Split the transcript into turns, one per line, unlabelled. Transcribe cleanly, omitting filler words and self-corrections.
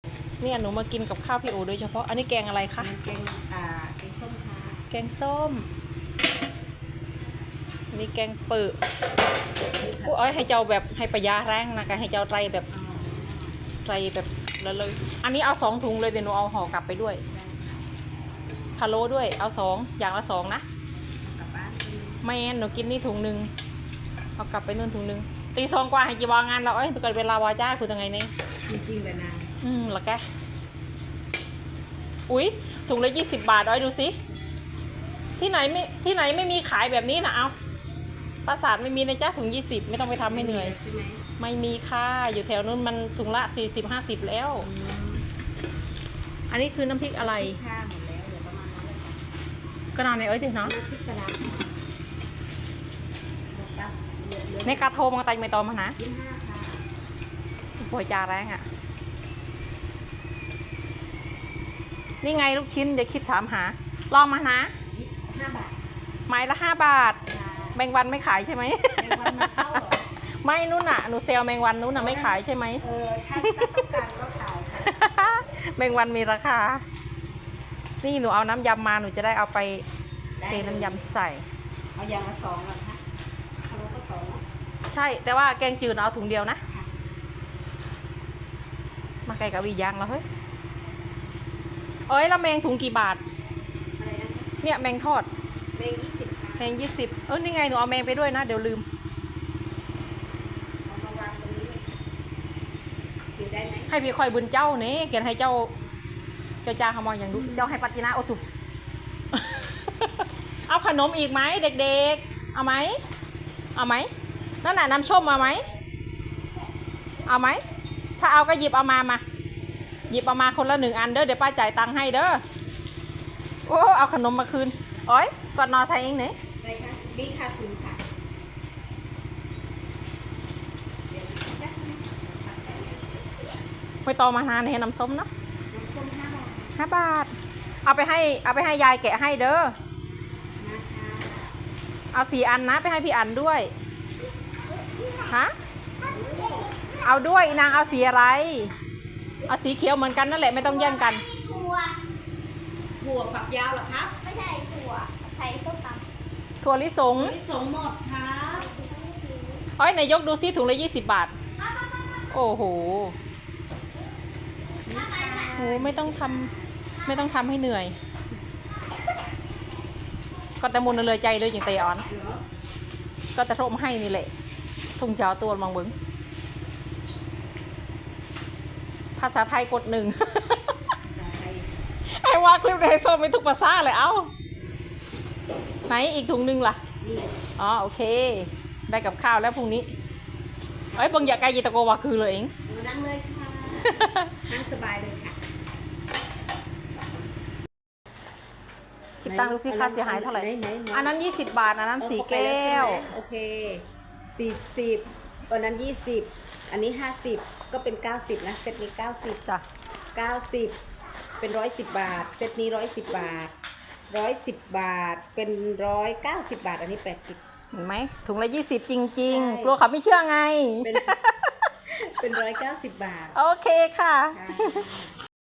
เนี่ยหนูมากินกับข้าวพี่โอโดยเฉพาะอันนี้แกงอะไรคะ
แกงแกงส้มค่ะ
แกงส้มนี่แกงเปิดกูอ้อยให้เจ้าแบบให้ประหยัดแรงนะกันให้เจ้าไรแบบแล้วเลยอันนี้เอา2 ถุงเลยเดี๋ยวหนูเอาห่อกลับไปด้วยพะโล้ด้วยเอา2อย่างละ2นะ
กลับบ้าน
ไม่งั้นหนูกินนี่ถุงหนึ่งเอากลับไปนู่นถุงหนึ่งตี2 กว่าให้จีวางงานเราเกิดเวลาวาจ้าคือยังไงเนี่ย
จริงๆเลยนะ
แล้วแกอุ๊ยถุงละ20 บาทอ้อยดูสิที่ไหนไม่มีขายแบบนี้นะเอาปราสาทไม่มีนะจ๊ะถุง20ไม่ต้องไปทำให้เหนื่อย
ใช่ไหม
ไม่มีค่ะอยู่แถวนู้นมันถุงละ40-50แล้วอันนี้คือน้ำพริกอะไร
ข้าวหมดแล้วเดี๋ยวประมาณนั้นเลย
ก็นอนในเอ้ยดิเนาะ
น้ำพริกกระดาษ
ในกาโทมังไตไม่ตอมนะ
25ค่ะ
ปวยจาแรงอ่ะนี่ไงลูกชิ้นอย่าคิดถามหาลองมานะ
5 บาท
ไม้ละ5 บาทแมงวันไม่ขายใช่ไหม
แมงวันมันเข้าหรอ
ไม่นู่นน่ะหนูเซลแมงวันนู่นน่ะไม่ขายใช่ไหม
ถ้าต้องการก็ขายค่ะ
แมงวันมีราคานี่หนูเอาน้ำยำมาหนูจะได้เอาไปเทน้ำยำใส่
เอาอย่างละ2เหรอคะเอาก็2
ใช่แต่ว่าแกงจืดเอาถุงเดียวนะมาไก่กับวียางแล้วเฮ้ยแล้วแมงถุงกี่บาท
อะไรนะ
เนี่ยแมงทอด
แมง20
แมง20นี่ไงหนูเอาแมงไปด้วยนะเดี๋ยวลืม
เอามาวางตรงนี้กินได้ไหม
ให้พี่คอยบุญเจ้าเนี่ยเกียนให้เจ้าจ้าขโมยอย่างดูเจ้าให้ปัตตินาโอตุเอาขนมอีกไหมเด็กๆเอาไหมนั่นน่ะน้ำส้มเอาไหมเอาไหมถ้าเอาก็หยิบเอามาหยิบเอามาคนละ1 อันเด้อเดี๋ยวป้าจ่ายตังค์ให้เด้อโอ้เอาขนมมาคืนก่อนนอนใส่เองเนี่ย
อะไรคะดีค่ะคุณค่ะ
ไปต่อมานานให้น้ำส้มเนาะ
น้ำส้ม5 บาท
5 บาทเอาไปให้ยายแกะให้เด้อเอา4 อันนะไปให้พี่อันด้วยฮะเอาด้วยนางเอาสีอะไรเอาสีเขียวเหมือนกันนั่นแหละไม่ต้องแย่งกัน
ถั่วฝักยาวเหรอครับ
ไม่ใช่ถั่วใส่ส้มตำ
ถั่วลิสง
หมดครับ
นายกดูซิถุงละ20 บาทโอ้โหไม่ต้องทำให้เหนื่อยก็แต่มุนเลยใจเลยอย่างเตออนก็จะโทรมาให้นี่แหละทุ่งเจ้าตัวมังบึงภาษาไทยกด1ไอ้ว่าคลิปในโซนไม่ทุกภาษาเลยเอ้าไหนอีกถุงนึงล่ะโอเคได้กับข้าวแล้วพรุ่งนี้บางอยากไกลยีตะโกวาคือเลยเอง
นั่งเลยค่ะนั่งสบายเลยค่ะ
คิดตังค์ดูสิค่าเสียหายเท่าไหร่อันนั้น20 บาทอันนั้น4 แก้ว
โอเค40วันนั้น20อันนี้50ก็เป็น90นะเซตนี้90
จ้ะ
90เป็น110 บาทเซตนี้110 บาท110 บาทเป็น190 บาทอันนี้80
เห็นไหมถุงละ20จริงๆกลัวเขาไม่เชื่อไง
เป็น190 บาท
โอเคค่ะ